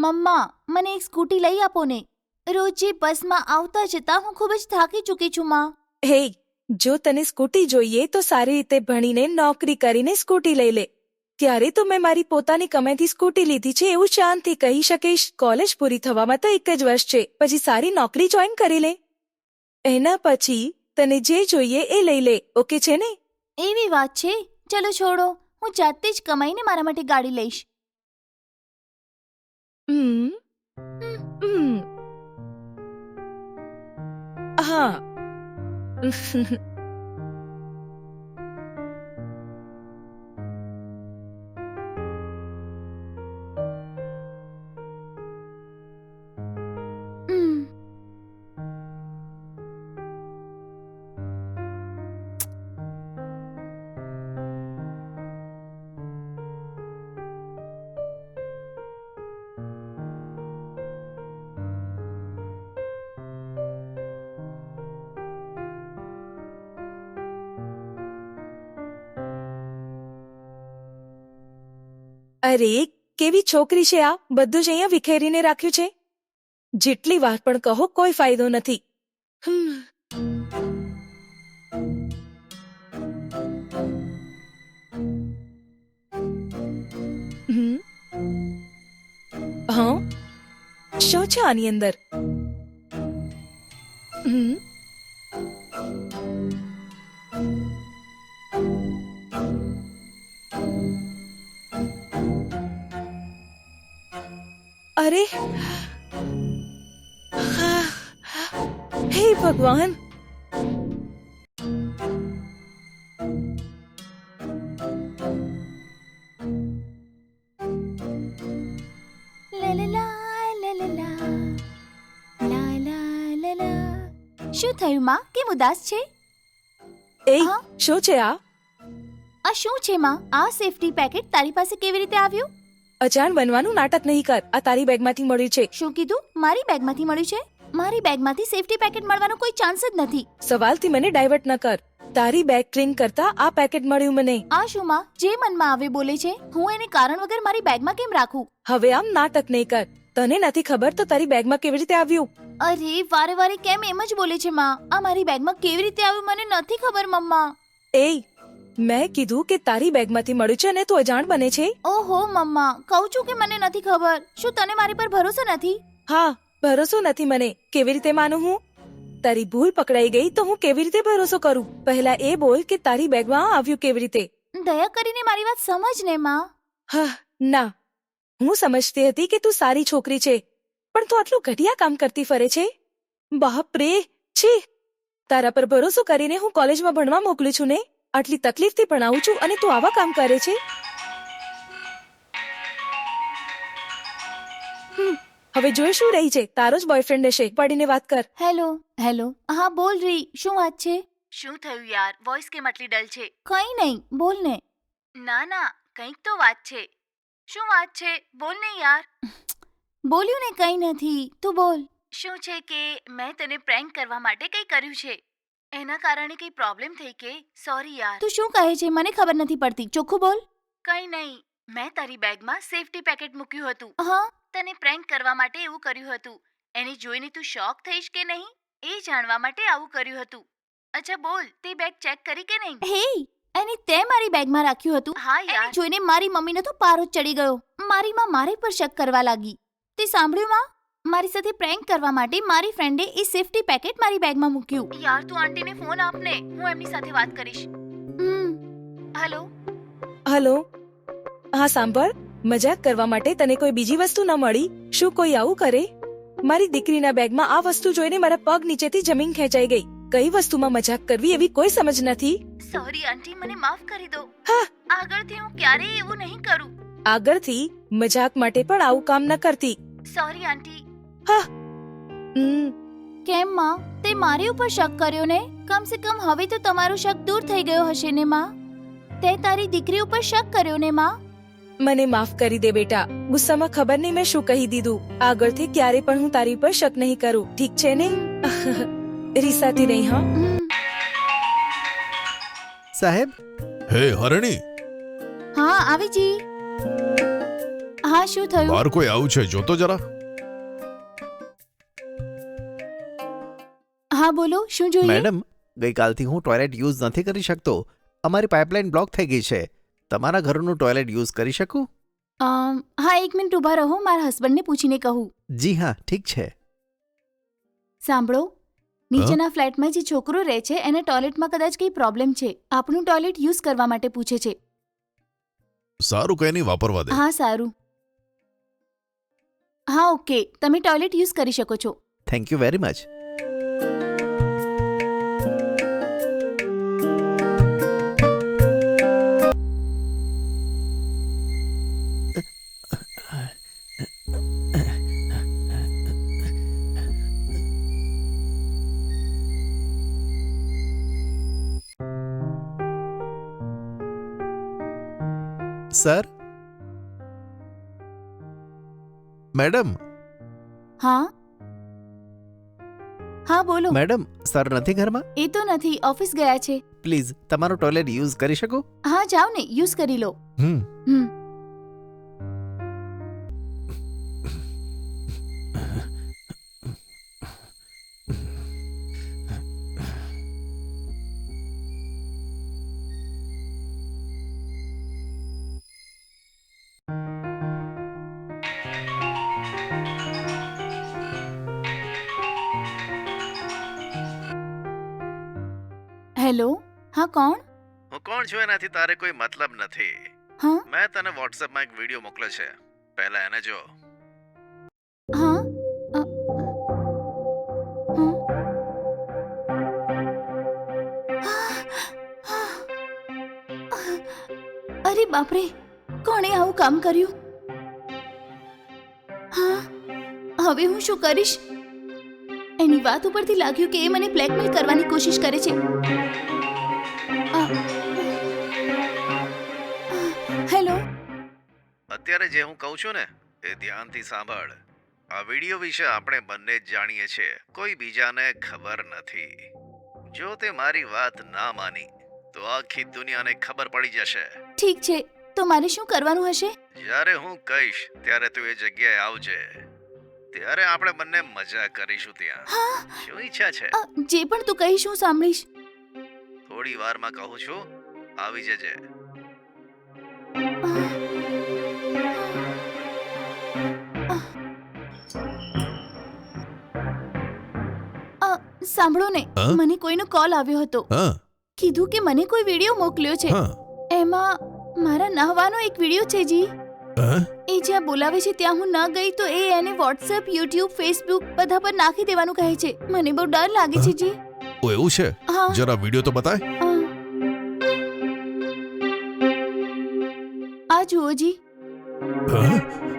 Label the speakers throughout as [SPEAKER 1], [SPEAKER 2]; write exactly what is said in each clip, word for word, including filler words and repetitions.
[SPEAKER 1] મમ્મા, મને એક સ્કૂટી લઈ આપો ને. રોજ બસમાં આવતા જતા હું ખૂબ જ થાકી ચૂકી છું માં.
[SPEAKER 2] હે, જો તને સ્કૂટી જોઈએ તો સારી રીતે ભણીને નોકરી કરીને સ્કૂટી લઈ લે. ત્યારે તો મેં મારી પોતાની કમાઈથી સ્કૂટી લીધી છે એવું શાંતિ કહી શકીશ. કોલેજ પૂરી થવામાં તો એક જ વર્ષ છે, પછી સારી નોકરી જોઈન કરી લે. એના પછી તને જે જોઈએ એ લઈ લે, ઓકે છે ને?
[SPEAKER 1] એવી વાત છે? ચલો છોડો, હું જાતે જ કમાઈને મારા માટે ગાડી લઈશ.
[SPEAKER 2] હમ હમ હા
[SPEAKER 1] હમ.
[SPEAKER 2] અરે કેવી છોકરી છે આ! બધું જ અહીંયા વિખેરીને રાખ્યું છે. જેટલી વાર પણ કહો કોઈ ફાયદો નથી. હમ હમ હા, શું છે આની અંદર? હમ અરે હે ભગવાન!
[SPEAKER 1] લા લા લા, લા લા લા. લા લા લા લા. શું થયું માં? કેમ ઉદાસ છે?
[SPEAKER 2] એ
[SPEAKER 1] હા?
[SPEAKER 2] શું છે આ?
[SPEAKER 1] આ શું છે માં? આ સેફટી પેકેટ તારી પાસે કેવી રીતે આવ્યું?
[SPEAKER 2] અજાણ બનવાનું નાટક નહીં કર. આ તારી બેગમાંથી મળ્યું છે.
[SPEAKER 1] શું કીધું? મારી બેગમાંથી મળ્યું છે? મારી બેગમાંથી સેફટી પેકેટ મળવાનો કોઈ ચાન્સ જ નથી.
[SPEAKER 2] સવાલથી મને ડાયવર્ટ ન કર. તારી બેગ ક્લીન કરતા આ પેકેટ મળ્યું મને.
[SPEAKER 1] આ શું માં? જે મનમાં આવે બોલે છે. હું એને કારણ વગર મારી બેગમાં કેમ રાખું?
[SPEAKER 2] હવે આમ નાટક નહીં કર. તને નથી ખબર તો તારી બેગમાં કેવી રીતે આવ્યું?
[SPEAKER 1] અરે વારે વારે કેમ એમ જ બોલે છે માં? આ મારી બેગમાં કેવી રીતે આવ્યું મને નથી ખબર મમ્મા.
[SPEAKER 2] એ મેં કીધું કે તારી બેગમાંથી મળ્યું છે અને તું અજાણ બને છે.
[SPEAKER 1] ઓહો મમ્મા, કહું છું કે મને નથી ખબર. શું તને મારી પર ભરોસો નથી?
[SPEAKER 2] હા, ભરોસો નથી મને. કેવી રીતે માનું હું? તારી ભૂલ પકડાઈ ગઈ તો હું કેવી રીતે ભરોસો કરું? પહેલા એ બોલ કે તારી બેગમાં આ આવ્યું કેવી રીતે?
[SPEAKER 1] દયા કરીને મારી વાત સમજ ને માં.
[SPEAKER 2] હા, ના, હું સમજતી હતી કે તું સારી છોકરી છે, પણ તું આટલું ઘટિયા કામ કરતી ફરે છે. બાપ રે, છી! તારા પર ભરોસો કરીને હું કોલેજમાં ભણવા મોકલું છું ને, આટલી તકલીફથી ભણાવું છું અને તું આવા કામ કરે છે. હમ, હવે જોઈ શું રહી છે? તારો જ બોયફ્રેન્ડ હશે. પડીને વાત કર.
[SPEAKER 1] Hello hello. હા બોલ રહી. શું વાત છે? શું થયું યાર? વોઇસ કેમ આટલી ડલ છે? કઈ નહીં, બોલ ને. ના ના, કંઈક તો વાત છે. શું વાત છે? બોલ ને યાર. બોલ્યું ને કંઈ નથી, તું બોલ. શું છે કે મેં તને પ્રેન્ક કરવા માટે કંઈ કર્યું છે. એના કારણે કંઈ પ્રોબ્લેમ થઈ કે? સોરી યાર. તું શું કહે છે? મને ખબર નથી પડતી. ચોખ્ખું બોલ. કંઈ નહીં, મેં તારી બેગમાં સેફટી પેકેટ મૂક્યું હતું. હા, તને પ્રેન્ક કરવા માટે એવું કર્યું હતું. એને જોઈને તું શોક થઈશ કે નહીં એ જાણવા માટે આવું કર્યું હતું. અચ્છા બોલ, તે બેગ ચેક કરી કે નહીં? હે, એને તે મારી બેગમાં રાખ્યું હતું? હા યાર. એને જોઈને મારી મમ્મીને તો પારો ચડી ગયો. મારી માં મારી પર શક કરવા લાગી. તે સાંભળ્યું માં? મારી સાથે પ્રેન્ક કરવા માટે મારી ફ્રેન્ડે એ સેફટી પેકેટ મારી બેગમાં મૂક્યું. યાર તું આંટીને ફોન આપને, હું એમની સાથે વાત કરીશ. હમ. હેલો.
[SPEAKER 2] હલો. હા સાંભળ, મજાક કરવા માટે તને કોઈ બીજી વસ્તુ ન મળી? શું કોઈ આવું કરે? મારી દીકરીના બેગમાં આ વસ્તુ જોઈને મારા પગ નીચેથી જમીન ખેંચાઈ ગઈ. કઈ વસ્તુમાં મજાક કરવી એવી કોઈ સમજ નથી.
[SPEAKER 1] સોરી આંટી, મને માફ કરી દો.
[SPEAKER 2] હા,
[SPEAKER 1] આગળથી હું ક્યારેય એવું નહીં કરું.
[SPEAKER 2] આગળથી મજાક માટે પણ આવું કામ ન કરતી.
[SPEAKER 1] Sorry aunty.
[SPEAKER 2] હા. હમ
[SPEAKER 1] કેમ માં? તે મારી ઉપર શક કર્યો ને? કમ સે કમ હવે તો તમારો શક દૂર થઈ ગયો હશે ને માં? તે તારી દીકરી ઉપર શક કર્યો ને માં?
[SPEAKER 2] મને માફ કરી દે બેટા. ગુસ્સામાં ખબર નહીં મેં શું કહી દીધું. આગળથી ક્યારે પણ હું તારી પર શક નહીં કરું, ઠીક છે ને? રીસાથી નહીં. હા
[SPEAKER 3] સાહેબ.
[SPEAKER 4] હે હરણી.
[SPEAKER 1] હા આવી જી. હા શું થયું?
[SPEAKER 3] બહાર કોઈ આવું છે જોતો જરા.
[SPEAKER 1] હા બોલો, શું જોઈએ?
[SPEAKER 4] મેડમ, ગઈકાલથી હું ટોયલેટ યુઝ નથી કરી શકતો. અમારી પાઇપલાઇન બ્લોક થઈ ગઈ છે. તમારા ઘરનું ટોયલેટ યુઝ કરી શકું?
[SPEAKER 1] અમ, હા એક મિનિટ ઊભા રહો, મારા હસબન્ડને પૂછીને કહું.
[SPEAKER 4] જી હા, ઠીક છે.
[SPEAKER 1] સાંભળો, નીચેના ફ્લેટમાં જે છોકરો રહે છે એને ટોયલેટમાં કદાચ કંઈ પ્રોબ્લેમ છે. આપણું ટોયલેટ યુઝ કરવા માટે પૂછે છે.
[SPEAKER 3] સારું, કઈ નહીં, વાપરવા દે.
[SPEAKER 1] હા સારું. હા ઓકે, તમે ટોયલેટ યુઝ કરી શકો છો.
[SPEAKER 4] Thank you very much. Sir, madam
[SPEAKER 1] હા હા બોલો.
[SPEAKER 4] મેડમ સર નથી ઘરમાં?
[SPEAKER 1] એ તો નથી, ઓફિસ ગયા છે.
[SPEAKER 4] પ્લીઝ તમારું ટોયલેટ યુઝ કરી શકું?
[SPEAKER 1] હા જાઓ ને, યુઝ કરી લો.
[SPEAKER 4] હમ
[SPEAKER 1] હમ હેલો, હા કોણ?
[SPEAKER 4] હું કોણ છું એનાથી તારે કોઈ મતલબ નથી.
[SPEAKER 1] હા
[SPEAKER 4] મેં તને વોટ્સએપમાં એક વિડીયો મોકલ્યો છે, પહેલા એને જો.
[SPEAKER 1] હા અ, હમ. અરે બાપરે, કોણે આવું કામ કર્યું? હા, હવે હું શું કરીશ? એની વાત ઉપરથી લાગ્યું કે એ મને બ્લેકમેલ કરવાની કોશિશ કરે છે. અ, હેલો.
[SPEAKER 4] અત્યારે જે હું કહું છું ને એ ધ્યાનથી સાંભળ. આ વિડીયો વિશે આપણે બંને જ જાણીએ છીએ, કોઈ બીજાને ખબર નથી. જો તે મારી વાત ના માની તો આખી દુનિયાને ખબર પડી જશે.
[SPEAKER 1] ઠીક છે, તો મારે શું કરવાનું હશે?
[SPEAKER 4] જ્યારે હું કહીશ ત્યારે તું એ જગ્યાએ આવજે. ત્યારે આપણે બંને મજા કરીશું ત્યાં.
[SPEAKER 1] હા
[SPEAKER 4] શું ઈચ્છા છે?
[SPEAKER 1] અ, જે પણ તું કહીશ હું સાંભળીશ.
[SPEAKER 4] થોડી વારમાં કહું છું, આવી જજે.
[SPEAKER 1] અ, સાંભળો ને,
[SPEAKER 3] હા?
[SPEAKER 1] મને કોઈનો કોલ આવ્યો હતો.
[SPEAKER 3] હા
[SPEAKER 1] કીધું કે મને કોઈ વિડીયો મોકલ્યો છે.
[SPEAKER 3] હા
[SPEAKER 1] એમાં મારા નહાવાનો એક વિડીયો છે જી.
[SPEAKER 3] હા?
[SPEAKER 1] એ જ્યાં બોલાવે છે ત્યાં હું ન ગઈ તો એ એને વોટ્સએપ, યુટ્યુબ, ફેસબુક બધા પર નાખી દેવાનું કહે છે. મને બહુ ડર લાગે છે જી.
[SPEAKER 3] ઓ એવું છે?
[SPEAKER 1] હા
[SPEAKER 3] જરા વિડીયો તો બતાય.
[SPEAKER 1] અ. આ જુઓ જી.
[SPEAKER 3] હા?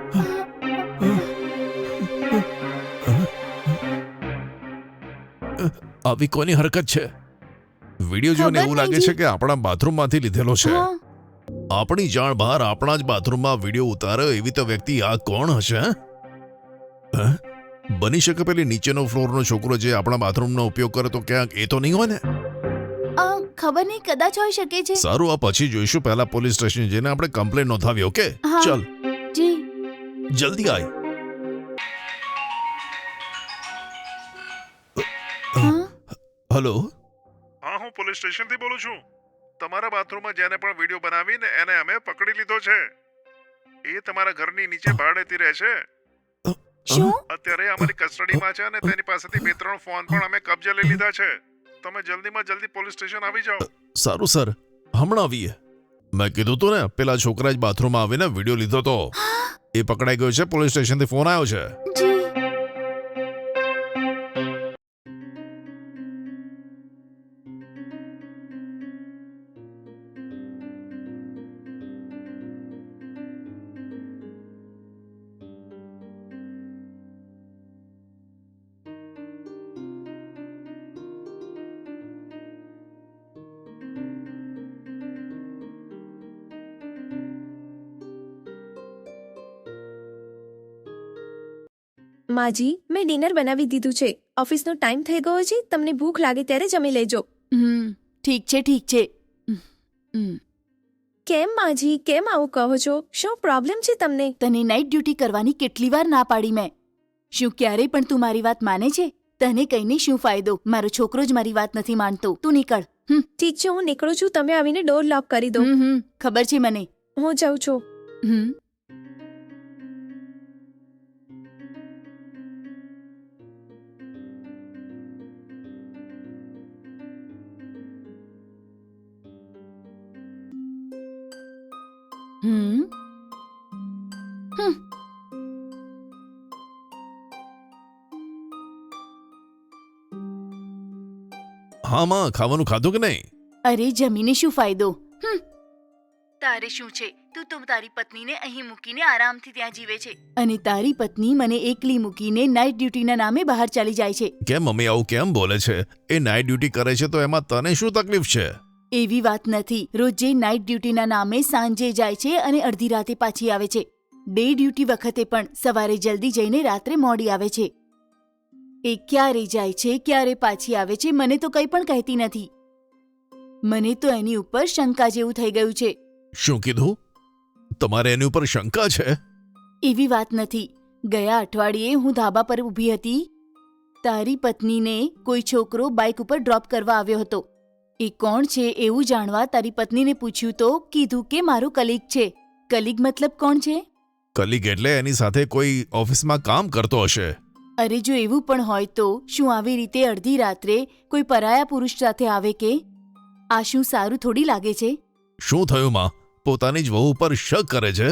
[SPEAKER 3] આવી કોની હરકત છે? વિડીયો જોઈને
[SPEAKER 1] ખબર
[SPEAKER 3] એવું
[SPEAKER 1] નહીં
[SPEAKER 3] લાગે
[SPEAKER 1] જી.
[SPEAKER 3] છે કે આપણા બાથરૂમમાંથી લીધેલો છે.
[SPEAKER 1] હા
[SPEAKER 3] આપણી જાણ બહાર આપણા જ બાથરૂમમાં વિડીયો ઉતારે એવી તો વ્યક્તિ આ કોણ હશે? હે? હે? બની શકે પેલી નીચેનો ફ્લોરનો છોકરો જે આપણા બાથરૂમનો ઉપયોગ કરે તો ક્યાંક એ તો નહીં હોય ને?
[SPEAKER 1] અ, ખબર નહીં, કદાચ હોઈ શકે છે.
[SPEAKER 3] સારું, આ પછી જોઈશું. પહેલા પોલીસ સ્ટેશન જઈને આપણે કમ્પ્લેન નોંધાવી. ઓકે,
[SPEAKER 1] હા.
[SPEAKER 3] ચલ
[SPEAKER 1] જી.
[SPEAKER 3] જલ્દી આય.
[SPEAKER 1] હા
[SPEAKER 3] હલો.
[SPEAKER 5] હા, હું પોલીસ સ્ટેશનથી બોલું છું. તમારા બાથરૂમમાં જેને પણ વિડીયો બનાવીને એને અમે પકડી લીધો છે. એ તમારા ઘરની નીચે ભાડેથી રહે છે.
[SPEAKER 1] શું?
[SPEAKER 5] અત્યારે અમારી કસ્ટડીમાં છે અને તેની પાસેથી બે ત્રણ ફોન પણ અમે કબજે લઈ લીધા છે. તમે જલ્દીમાં જલ્દી પોલીસ સ્ટેશન આવી જાઓ.
[SPEAKER 3] સારું સર, હમણાં આવીએ. મેં કીધું તું ને, પેલા છોકરા જ બાથરૂમમાં આવીને વિડીયો લીધો તો એ પકડાઈ ગયો છે. પોલીસ સ્ટેશનથી ફોન આવ્યો છે.
[SPEAKER 1] જી.
[SPEAKER 6] માજી, મેં ડિનર બનાવી દીધું છે. ઓફિસનો ટાઈમ થઈ ગયો છે. તમને ભૂખ લાગે ત્યારે જમી લેજો.
[SPEAKER 1] હમ ઠીક છે ઠીક છે. હમ, હમ.
[SPEAKER 6] કેમ માજી કેમ આવું કહો છો? શું પ્રોબ્લેમ છે તમને?
[SPEAKER 1] તને નાઇટ ડ્યુટી કરવાની કેટલી વાર ના પાડી મેં? શું ક્યારેય પણ તું મારી વાત માને છે? તને કહીને શું ફાયદો? મારો છોકરો જ મારી વાત નથી માનતો. તું નીકળ. હમ
[SPEAKER 6] ઠીક છે, હું નીકળું છું. તમે આવીને ડોર લોક કરી દો.
[SPEAKER 1] હમ હમ ખબર છે મને.
[SPEAKER 6] હું જાઉં છું.
[SPEAKER 1] હમ હમ હમ
[SPEAKER 3] હા માં, ખાવાનું ખાધું કે નહીં?
[SPEAKER 1] અરે જમીને શું ફાયદો? હમ તારે શું છે? તું તો તારી પત્નીને અહીં મૂકીને આરામથી ત્યાં જીવે છે અને તારી પત્ની મને એકલી મૂકીને નાઇટ ડ્યુટીના નામે બહાર ચાલી જાય છે.
[SPEAKER 3] કેમ મમ્મી આવું કેમ બોલે છે? એ નાઇટ ડ્યુટી કરે છે તો એમાં તને શું તકલીફ છે?
[SPEAKER 1] એવી વાત નથી. રોજે નાઇટ ડ્યુટીના નામે સાંજે જાય છે અને અડધી રાતે પાછી આવે છે. ડે ડ્યુટી વખતે પણ સવારે જલ્દી જઈને રાત્રે મોડી આવે છે. એ ક્યારે જાય છે ક્યારે પાછી આવે છે મને તો કંઈ પણ કહેતી નથી. મને તો એની ઉપર શંકા જેવું થઈ ગયું છે.
[SPEAKER 3] શું કીધું? તમારે એની ઉપર શંકા છે?
[SPEAKER 1] એવી વાત નથી. ગયા અઠવાડિયે હું ધાબા પર ઊભી હતી. તારી પત્નીને કોઈ છોકરો બાઇક ઉપર ડ્રોપ કરવા આવ્યો હતો. એ કોણ છે એવું જાણવા તારી પત્નીને પૂછ્યું તો કીધું કે મારો કલીગ છે. કલીગ મતલબ કોણ છે?
[SPEAKER 3] કલીગ એટલે એની સાથે કોઈ ઓફિસમાં કામ કરતો હશે.
[SPEAKER 1] અરે જો એવું પણ હોય તો શું આવી રીતે અડધી રાત્રે કોઈ પરાયા પુરુષ સાથે આવે કે? આ શું સારું થોડી લાગે છે?
[SPEAKER 3] શું થયું માં? પોતાની જ વહુ ઉપર શક કરે છે?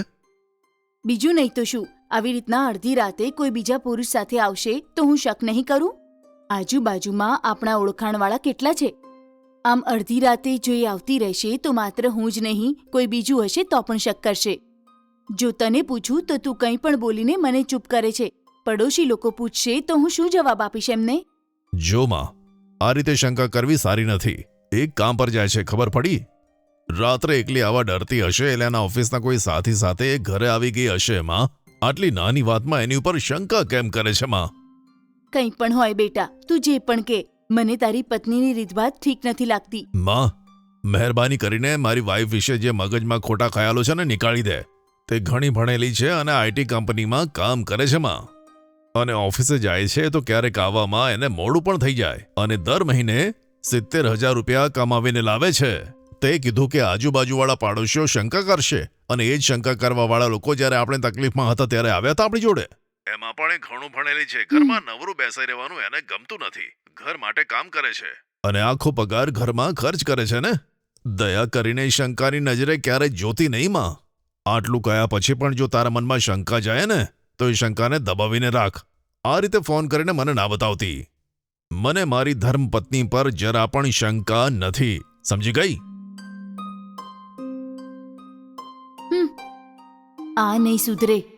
[SPEAKER 1] બીજું નહીં તો શું, આવી રીતના અડધી રાતે કોઈ બીજા પુરુષ સાથે આવશે તો હું શક નહીં કરું? આજુબાજુમાં આપણા ઓળખાણવાળા કેટલા છે? આમ અડધી રાતે જો એ આવતી રહેશે તો માત્ર હું જ નહીં કોઈ બીજું હશે તો પણ શક કરશે. જો તને પૂછું તો તું કંઈ પણ બોલીને મને ચૂપ કરે છે. પડોશી લોકો પૂછશે તો હું શું જવાબ આપીશ એમને?
[SPEAKER 3] જો માં, આ રીતે શંકા કરવી સારી નથી. એક કામ પર જાય છે, ખબર પડી? રાત્રે એકલી આવા ડરતી હશે એટલે એના ઓફિસના કોઈ સાથી સાથે એ ઘરે આવી ગઈ હશે. માં, આટલી નાની વાતમાં એની ઉપર શંકા કેમ કરે છે માં?
[SPEAKER 1] કંઈ પણ હોય બેટા, તું જે પણ કે, મને તારી પત્નીની રીતભાત ઠીક નથી લાગતી.
[SPEAKER 3] માં, મહેરબાની કરીને મારી વાઈફ વિશે જે મગજમાં ખોટા ખ્યાલો છે ને નીકાળી દે. તે ઘણી ભણેલી છે અને આઈટી કંપનીમાં કામ કરે છે માં. અને ઓફિસે જાય છે તો ક્યારેક આવવામાં એને મોડું પણ થઈ જાય અને દર મહિને સિત્તેર હજાર રૂપિયા કમાવીને લાવે છે. તે કીધું કે આજુબાજુવાળા પાડોશીઓ શંકા કરશે અને એ જ શંકા કરવાવાળા લોકો જ્યારે આપણે તકલીફમાં હતા ત્યારે આવ્યા હતા આપણી જોડે.
[SPEAKER 5] એમાં પણ એ ઘણું ભણેલી છે. ઘરમાં નવરું બેસાઈ રહેવાનું એને ગમતું નથી. ઘર માટે કામ કરે છે.
[SPEAKER 3] અને આખો પગાર ઘરમાં ખર્ચ કરે છે ને. દયા કરીને શંકાની નજરે ક્યારેય જોતી નહીં માં. આટલું કયા પછી પણ જો તારા મનમાં શંકા જાય ને તો એ શંકાને દબાવીને રાખ. આ રીતે ફોન કરીને મને ના બતાવતી. મને મારી ધર્મપત્ની પર જરા પણ શંકા નથી. સમજી ગઈ?
[SPEAKER 1] આ નહીં સુધરે.